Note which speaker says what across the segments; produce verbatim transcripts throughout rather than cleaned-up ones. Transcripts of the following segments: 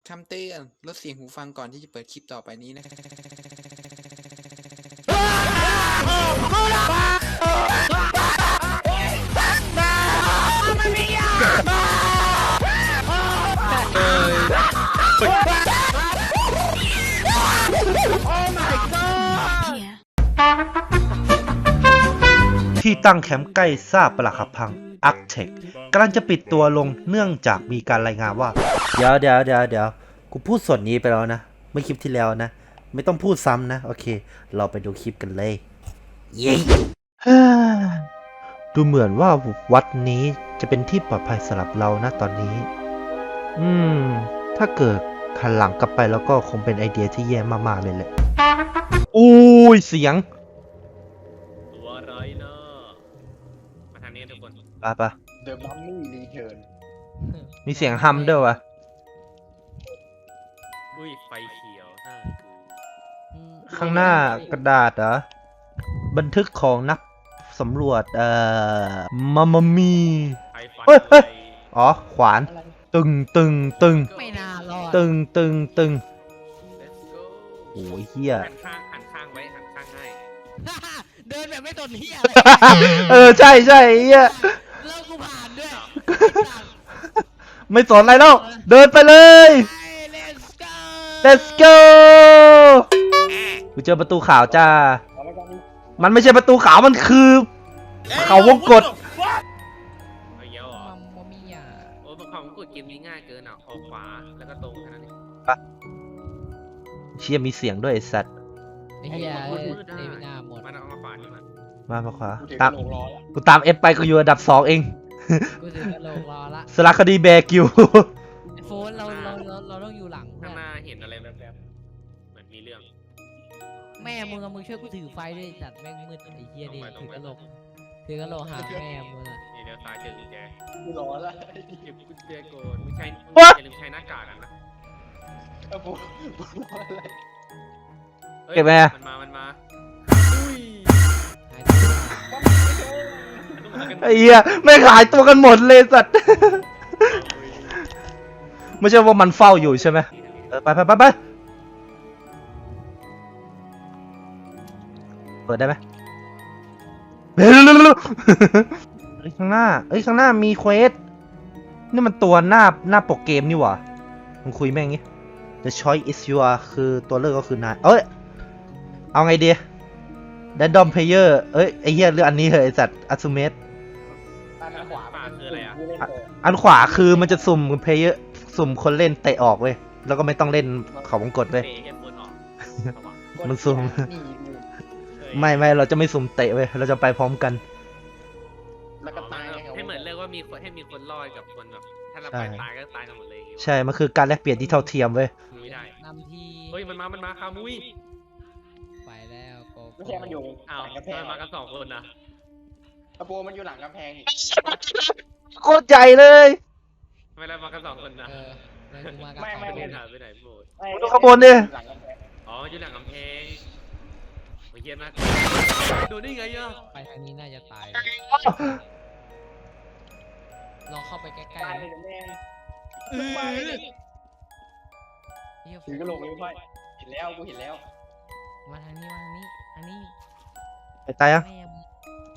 Speaker 1: คำเตือนลดเสียงหูฟังก่อนที่จะเปิดคลิปต่อไปนี้นะครับ
Speaker 2: ที่ตั้งแคมป์ใกล้ซากปรักหักพังอาร์คเทคกำลังจะปิดตัวลงเนื่องจากมีการรายงานว่าเดี๋ยวเดี๋ยวเดี๋ยวเดี๋ยวกูพูดส่วนนี้ไปแล้วนะเมื่อคลิปที่แล้วนะไม่ต้องพูดซ้ำนะโอเคเราไปดูคลิปกันเลยเย้ดูเหมือนว่าวัดนี้จะเป็นที่ปลอดภัยสำหรับเรานะตอนนี้อืมถ้าเกิดขันหลังกลับไปแล้วก็คงเป็นไอเดียที่แย่มากๆเลยแหละอุ้ยเสียง
Speaker 3: ตัวอะไรนะมาทางนี้ทุกคน
Speaker 2: ไปไป
Speaker 4: The Mummy Return
Speaker 2: มีเสียงฮัมด้วยวะ
Speaker 3: อุ้ยไฟเขียวน่าคือ
Speaker 2: ข้างหน้ากระดาษเหรอบันทึกของนักสำรวจเอ่อมามามี
Speaker 3: ไฟฟัน
Speaker 2: เฮ้ย
Speaker 3: ไฟ
Speaker 2: เฮ้ยอ๋อขวานตึงตึงตึง
Speaker 5: ไม่น่ารอด
Speaker 2: ตึงตึงตึง
Speaker 3: Let's go
Speaker 2: โอ้ยเฮีย
Speaker 3: หันข้างหันข้างไว้หันข้างให้
Speaker 5: เดินแบบไม่ตนเฮีย
Speaker 2: เออใช่ใช่เฮีย
Speaker 5: แล้วกูผ่านด้วย
Speaker 2: ไม่สนอะไรแล้วเดินไปเลย
Speaker 5: let's go
Speaker 2: let's go กูเจอประตูขาวจ้ามันไม่ใช่ประตูขาวมันคือเขาวงกต
Speaker 3: เอาเยอะเหรอ
Speaker 5: มัมโมมี่อ่ะ
Speaker 3: โอ้ยความกดเกมนี้ง่ายเกินอ่ะออกขวาแล้วก็ตรงแค่นั้นเอง
Speaker 2: เชี่ยมีเสียงด้วยไอ้สัตว์
Speaker 5: ไอ้เฮีย
Speaker 3: มืด
Speaker 5: เด
Speaker 3: ได้
Speaker 5: วินาหมด
Speaker 3: มันเอามาขวานี่มัน
Speaker 2: มามาขวา
Speaker 4: กูถือ
Speaker 2: ตาม
Speaker 4: โลงรอแล้ว
Speaker 2: กูตามเอฟไปกูอยู่อันดับสองเอง
Speaker 5: กูถือกระโหลกรอละ
Speaker 2: สารคดีแบกิว
Speaker 5: ไอ้โฟนเราเราเราเราต้องอยู่หลังเพื่
Speaker 3: ข้าง
Speaker 5: อน
Speaker 3: หน้าเห็นอะไรแบบๆเหมือนมีเรื่อง
Speaker 5: แม่มึงอะมึงช่วยกูถือไฟด้วยจัดแม่งมืดไอ้เฮียดิถือกระโหลกถือกระโหลกหาแม่มึงอะ
Speaker 3: นี่เดี๋ยวซ้ายเจอกุญแจ
Speaker 4: กูรอแล้ว
Speaker 3: เก็บกุญแจก่อนไม่ใช่
Speaker 2: What?
Speaker 3: อย่าลืมใช้หน้ากากนะ
Speaker 4: เออกูกูรออะไร
Speaker 3: ฮ้ย
Speaker 2: เก็บไหมอะ
Speaker 3: มันมามันมา
Speaker 5: หายตัว
Speaker 2: ไอ้เหี้ยไม่ขายตัวกันหมดเลยสัตว์ ไม่ใช่ว่ามันเฝ้าอยู่ใช่ไหมเออไปไปไปไปเปิดได้ไหมเร็วเร็วเร็วเร็วเอ้ยข้างหน้าเอ้ยข้างหน้ามีเควสนี่มันตัวหน้าหน้าปกเกมนี่หว่ามึงคุยแม่งงี้ The choice is yours คือตัวเลือกก็คือนายเอ้ยเอาไงดีRandom player เอ้ยไอ้เหี้ยเรื่องอันนี้เหรอไอ้สัตว์ assume
Speaker 4: อันขวา
Speaker 3: ป่าคืออะไรอ่ะ
Speaker 4: กูเล่นเปิด
Speaker 2: อันขวาคือมันจะสุ่มเพลเยอร์สุ่มคนเล่นเตะออกเว้ยแล้วก็ไม่ต้องเล่นเขาวงกดเว้ย
Speaker 3: เตะให้บนออกระวัง
Speaker 2: มันซุ่ม
Speaker 4: นี่นี่
Speaker 3: เฮ้ย
Speaker 2: ไม่ไม่เราจะไม่สุ่มเตะเว้ยเราจะไปพร้อมกัน
Speaker 4: แล้วก็ตาย
Speaker 3: ให้เหมือนเรียกว่ามีคนให้มีคนรอดกับคนแบบถ้าเรา
Speaker 2: ใช่
Speaker 3: ไปตายก็ตายกันหมดเลยอย่างงี้วะ
Speaker 2: ใช่มันคือการแลกเปลี่ยนที่เท่าเทียมเว้ย
Speaker 3: ไม่ได้
Speaker 5: นำที
Speaker 3: เฮ้ยมันมา มันมาคามุย
Speaker 5: ไปแล้วโก
Speaker 4: ไม่ใช่มันอยู่
Speaker 3: อ้าว
Speaker 4: หลังกำแพง
Speaker 3: มันมากันสองคนนะ
Speaker 4: อะโปมันอยู่หลังกำแพงอีก
Speaker 2: โคตรใหญ่เลย
Speaker 3: ไม่ได้มากันสองคนนะ
Speaker 5: เออแล้วกูมากับ
Speaker 3: ไป
Speaker 5: สอง
Speaker 3: เดิน
Speaker 5: คน
Speaker 3: หายไปไหนหมด
Speaker 4: ไอ้
Speaker 2: ดูข้างบนดิ
Speaker 4: หลังกำแพง
Speaker 3: อ๋ออยู่หลังกำแพงโอ้ยเยี่ยมมากโดนได้ไงอ่ะ
Speaker 5: ไปทางนี้น่าจะตายลองเข้าไปใกล้
Speaker 4: ตาย
Speaker 5: ๆ
Speaker 4: เลยแม่ง
Speaker 5: เออเหี้ย
Speaker 4: ถือกระโหลกเลยพ่อยเห็นแล้วกูเห็นแล้ว
Speaker 5: มาทางนี้มาทางนี้ทางนี้
Speaker 2: ไปตายยัง
Speaker 5: แม่มึง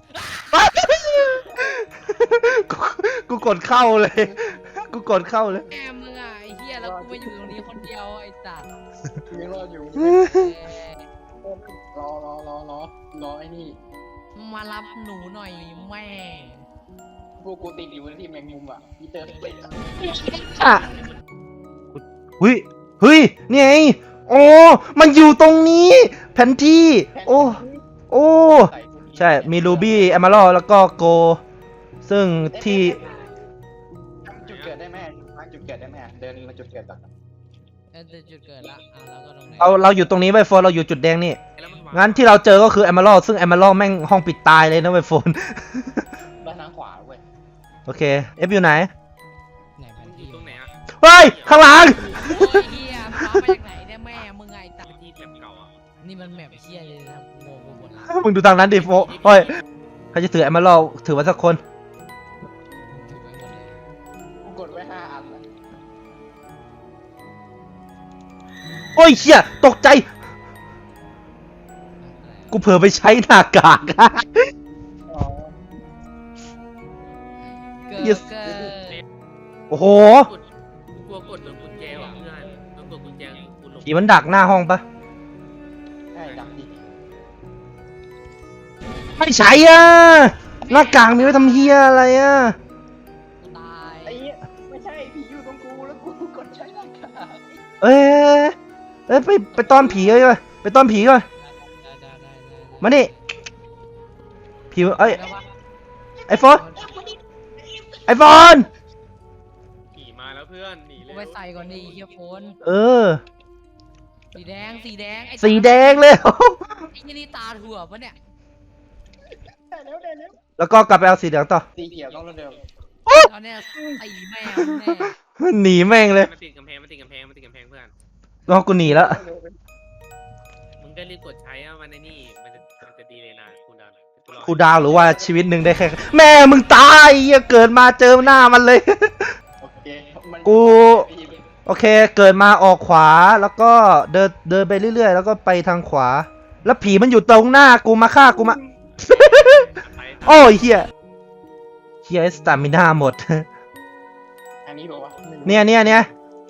Speaker 2: กูกูกดเข้าเลย กูกดเข้าเลย
Speaker 5: แม่มึงอ่ะไอ้เหี้ยแล้วกูมาอยู่ตรงนี้คนเดียวไอ้สัตว์
Speaker 4: ยังรอดอยู่
Speaker 5: เอ้ย
Speaker 4: รอรอรอรอรอไอ้นี่
Speaker 5: มารับหนูหน่อยแม่
Speaker 4: พวกกูติดอยู่ที่แมงมุมอ่ะพี่เจอติด
Speaker 2: อ่ะเฮ้ยเฮ้ยนี่ไงโอ้มันอยู่ตรงนี้ แผนที่โอ้โอ้ใช่มีรูบี้แอม r ร d แล้วก็โกซึ่งที่
Speaker 4: ทำจุดเกิดได้ไหมทำจุดเกิดได้ไหมเดินมาจุดเกิดก่อน
Speaker 5: เออจุดเกิดละอ่ะเราก็ตรงไหน
Speaker 2: เราเราอยู่ตรงนี้ไว้โฟนเราอยู่จุดแดงนี่
Speaker 3: แล้วมันวาง
Speaker 2: งั้นที่เราเจอก็คือแอม r ร d ซึ่งแอม r ร d แม่งห้องปิดตายเลยนะไวโฟน
Speaker 4: ด้านทางขวาเว้ย
Speaker 2: โอเคเอฟอยู่ไหน
Speaker 5: ไหนแผน
Speaker 3: อยู่
Speaker 5: ที่
Speaker 3: ตรงไหนอ่ะ
Speaker 2: เฮ้ยข้างหลัง
Speaker 5: โอ้ยเฮียฟ้ามาจากไหนเนี่ยแม่มึงไงตัด
Speaker 3: ที่แถบเก่าอ่ะ
Speaker 5: นี่มันแมปเฮียเลยนะงงไปหมดละ
Speaker 2: มึงดูทางนั้นดิโฟเฮ้ยใครจะถือแอม r ร d ถือไว้สักคน
Speaker 5: ถือไว้หมดเลย
Speaker 4: กูกดไว้ห้าอันนะ
Speaker 2: โอ้ยเชี่ยตกใจ กูเผลอไปใช้หน้ากาก
Speaker 4: อ๋อ
Speaker 5: เกิด
Speaker 2: Yes
Speaker 5: เกิด
Speaker 2: โอ้โห
Speaker 3: กดกูกลัวกดโดนกุญแจว่ะเพื่อนต้องกดกุญแจกูหลง
Speaker 2: ผีมันดักหน้าห้องปะ
Speaker 4: ใช่ดักดิ
Speaker 2: ไม่ใช่อ่ะหน้ากากมีไว้ทำเฮียอะไรอ่ะ
Speaker 5: ตาย
Speaker 4: ไอ้เหี้ยไม่ใช่ผีอยู่ตรงกูแล้วกูกดใช้หน้ากาก
Speaker 2: เอ้ยเอ้ยไปไปต้อนผีเลยไปต้อนผีก่อน
Speaker 5: ได้ได้ได้ได้
Speaker 2: มานี่ผีเอ้ย
Speaker 5: ได้ปะ
Speaker 2: ไอโฟนไอโฟน
Speaker 3: ขี่มาแล้วเพื่อนหนี
Speaker 5: กู
Speaker 3: เร็ว
Speaker 5: ไปใส่ก่อนดิเฮียโฟน
Speaker 2: เออ
Speaker 5: สีแดงสีแดงไอ้
Speaker 2: สีแดงเลย
Speaker 5: ไอ้ยี่นี่ตาถั่วปะเนี่ย
Speaker 4: ได้แล้วได้แล้ว
Speaker 2: แล้วก็กลับไปเอาสีเหลืองต่อ
Speaker 4: สีเขียวต้องเร็ว
Speaker 5: ตอนเนี้ยไอ้แม่แน่
Speaker 2: หนีแม่งเลย
Speaker 3: มันติดกำแพงมันติดกำแพงมันติดกำแพงเพื่อน
Speaker 2: รอกูหนีแล้ว
Speaker 3: มึงก็รีบกดใช้อะมันในนี่มันจะมันจะดีเลยนะคุณดาว
Speaker 2: ครูดาวหรือว่าชีวิตหนึ่งได้แค่ แม่มึงตายเหี้ยเกิดมาเจอหน้ามันเลย
Speaker 4: โอเคมัน
Speaker 2: กู โอเค เกิดมาออกขวาแล้วก็เดินเดินไปเรื่อยๆ แล้วก็ไปทางขวา แล้วผีมันอยู่ตรงหน้ากูมาฆ่ากูมา
Speaker 3: ไป
Speaker 2: โอ้ยเฮียเฮียสตามิน่าหมด
Speaker 4: อันนี้บอกว่า
Speaker 2: เนี่ยเนี่ยเนี่ย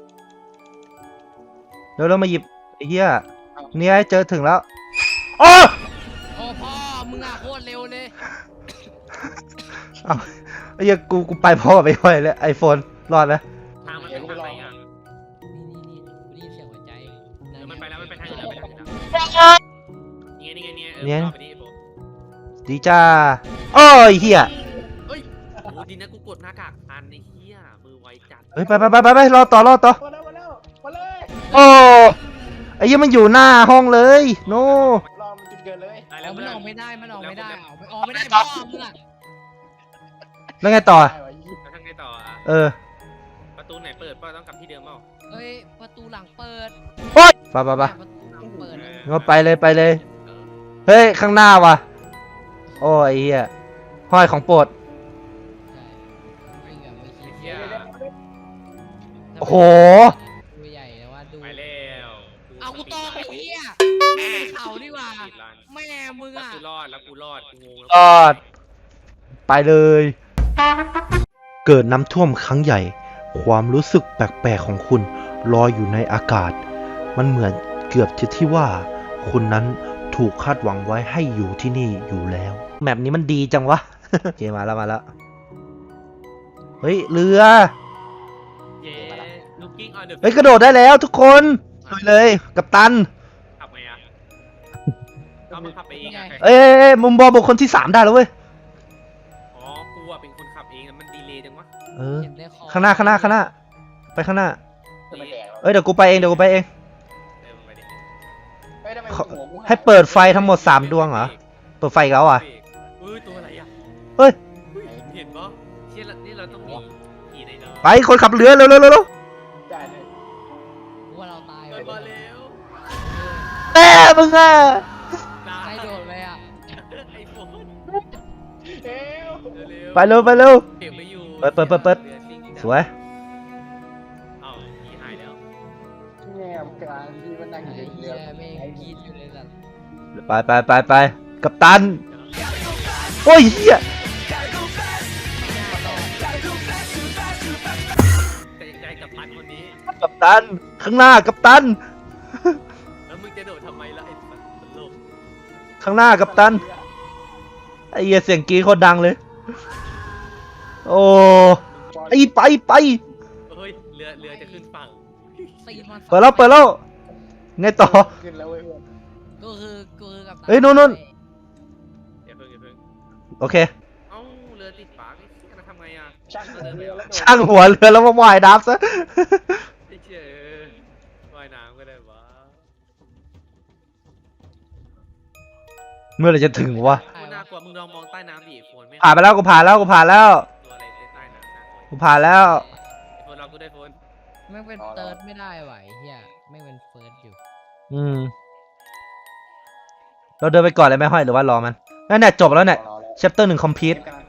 Speaker 2: เดี๋ยวเรามาหยิบไอ้เฮียเนี่ยเจอถึงแล้วโอ้
Speaker 5: โอ้พ่อมึงอะโคตรเร็วเลย
Speaker 2: เอาไอ้เฮียกูกูไปพ่อไปค่อยเลยไอโฟนรอดไหม
Speaker 3: ทางมันไปทางไหนอ่ะ
Speaker 5: นี่นี่นี่ได้ยินเสียงหัวใจ
Speaker 3: เดี๋ยวมันไปแล้วมันไปทางอื่นแล้วไปทางอื่นแล้วนี่ไงนี่ไงนี่ไงเออต่อไปดิโบ
Speaker 2: ดีจ้าโอ้ยเฮีย
Speaker 3: เฮ้ยโอ้โหดีนะกูกดหน้ากากพันไอ้เหี้ยมือไวจัด
Speaker 2: เฮ้ยไปไปไปไปไปรอต่อรอต่อ
Speaker 4: มาแล้วมาแล้วมาเลย
Speaker 2: โอ้ไอ้เฮียมันอยู่หน้าห้องเลยโน
Speaker 4: รอมันจุดเกิดเลย
Speaker 3: ได้
Speaker 5: อ
Speaker 3: แล้
Speaker 5: อ
Speaker 3: ว
Speaker 5: กมัน
Speaker 3: เพื่อน
Speaker 5: ออกไม่ได้มันออกไม่ได้ออกไม่ออกไม่ได้พ่อมึงอะ
Speaker 2: แล้วไงต่อ
Speaker 4: ได้วะยี่
Speaker 3: แล้วทางไงต่ออ่ะ
Speaker 2: เออ
Speaker 3: ประตูไหนเปิดป่ะต้องกลับที่เดิมเปล่า
Speaker 5: เอ้ยประตูหลังเปิด
Speaker 2: โอ๊ยไปไปไป
Speaker 5: ประตูหลังเปิด
Speaker 3: เออ
Speaker 2: งั้นไปเลยไปเลย
Speaker 3: เออ
Speaker 2: เฮ้ย ข้างหน้าว่ะ โอ้ยไอ้เหี้ยห้อยของโปรด
Speaker 5: ไม่แบบไม่คิ
Speaker 3: ไอ้
Speaker 5: ด
Speaker 3: เหี้ย
Speaker 2: โอ้โห
Speaker 5: ตัวใหญ่แต่ว่าดู
Speaker 3: ไปแล้ว
Speaker 5: เอากูตอกไอ้เหี้ยไม่เป็นเขาดีกว่า
Speaker 3: ปิดร้าน
Speaker 5: แม่มึง
Speaker 3: แล้ว
Speaker 5: อ่ะ
Speaker 3: กูรอดแล้วกูรอดกูงงแล้ว
Speaker 2: รอด ไปเลย เกิดน้ำท่วมครั้งใหญ่ ความรู้สึกแปลกๆของคุณลอยอยู่ในอากาศ มันเหมือนเกือบจะที่ว่า คุณนั้นถูกคาดหวังไว้ให้อยู่ที่นี่อยู่แล้ว แมปนี้มันดีจังวะ โอเคมาแล้วมาแล้ว เฮ้ย เรือ
Speaker 3: เย้ looking on the
Speaker 2: เฮ้ย กระโดดได้แล้วทุกคนลุยเลย กัปตัน
Speaker 3: ขับไงอ่ะเอามาขับไปเองอ่ะ
Speaker 2: เอ้ยเอ้ยเอ้ยมุมบอลบุคคลที่สามได้แล้วเว้ย
Speaker 3: อ๋อกูอ่ะเป็นคนขับเองอะมันดีเลยจังวะ
Speaker 2: เออ
Speaker 5: เห็นได้คอ
Speaker 2: ข้างหน้าข้างหน้าข้างหน้า ไปข้างหน้า
Speaker 4: จะมาแดก
Speaker 2: เอ้ย เดี๋ยวกูไปเอง เดี๋ยวกูไปเอง
Speaker 3: เดินไปดิ
Speaker 4: เฮ้ยทำไม
Speaker 2: เขา
Speaker 4: หัวกูาย
Speaker 2: ให้เปิดไฟทั้งหมดสามดวงเหรอ เปิดไฟอีกแล้วอ่ะ
Speaker 3: เฮ้ยตัวอะไรอ่ะ
Speaker 2: เฮ้ย
Speaker 3: เห็นปะเชี่ยละนี่เราต้องมีขี่ในเนาะ
Speaker 2: ไปคนขับเรือเร็วเร็วเร็วเร็ว
Speaker 4: ได้เลย
Speaker 5: กูว่าเราตาย
Speaker 3: เดินมาเร็ว
Speaker 2: แม่มึงอ่ะ
Speaker 3: ตา
Speaker 5: ใคร
Speaker 3: ย
Speaker 5: โดดไปอ่ะ
Speaker 3: ไอ้โฟน
Speaker 4: เอ้ว
Speaker 3: เร็ว
Speaker 2: ไปเร็วไปเร็ว
Speaker 3: เก็บไม่อยู่
Speaker 2: เปิดเปิดเปิดเปิด
Speaker 3: รือซิ่งจัด
Speaker 2: สวย
Speaker 3: เอ้าขี่หายแล้ว
Speaker 4: แง่มกลางที่มันนั่งอ
Speaker 5: ไอ้
Speaker 4: ยู่ใน
Speaker 5: เหี้
Speaker 4: เรื
Speaker 5: ย
Speaker 4: อ
Speaker 5: แม่งกรีดอยู่เลยสัตว์
Speaker 2: ไปไปไปไปกัปตัน โอ้ยเฮีย
Speaker 3: แต่ยังใจกับพันคนนี้
Speaker 2: กัปตัน ข้างหน้ากัปตัน
Speaker 3: แล้วมึงจะโดดทำไมล่ะไอ้สัตว์ตลก
Speaker 2: ข้างหน้ากัปตัน ไอ้เหี้ยเสียงกรีดโคตรดังเลย โอ้ไอไปไป
Speaker 3: เฮ้ยเรือเรือจะขึ้นฝั่ง
Speaker 5: ตีมัน
Speaker 2: เปิดแล้วเปิดแล้วไงต่อ
Speaker 4: ขึ้นแล้วเว้ย
Speaker 5: ก็คือก็คือกับ
Speaker 2: เฮ้ยนู่นนู่น
Speaker 3: อย่าเพิ่งอย่าเพิ่ง
Speaker 2: โอเค
Speaker 3: เอ้าเรือติดฝาไอ้เหี้ยจะทำไงอ่ะ
Speaker 4: ช่างหัวเรือแล้วโดด
Speaker 2: ช่างหัวเรือแล้วมาว่ายน้ำซะ
Speaker 3: ไอ้เชี่ยเออว่ายน้ำก็ได้วะ
Speaker 2: เมื่อไหรจะถึงวะ
Speaker 3: กูน่ากลัวมึงลองมองใต้น้ำดิโฟนไม่
Speaker 2: ผ่านไปแล้วกูผ่านแล้วกูผ่านแล้ว
Speaker 3: ตัวอะไรใต้น้ำน่ากลัว
Speaker 2: กูผ่านแล้ว
Speaker 3: ไอ้โฟนเรากูได้โฟน
Speaker 5: แม่งเป็นเติร์ดไม่ได้ไหวเฮียแม่งเป็นเฟิร์สอยู่
Speaker 2: อืม เราเดินไปก่อนเลยไหมห้อยหรือว่ารอมันนั่นแหละจบแล้วเนี่ย
Speaker 4: รอแล้ว
Speaker 2: chapter หนึ่ง complete
Speaker 4: กำลัง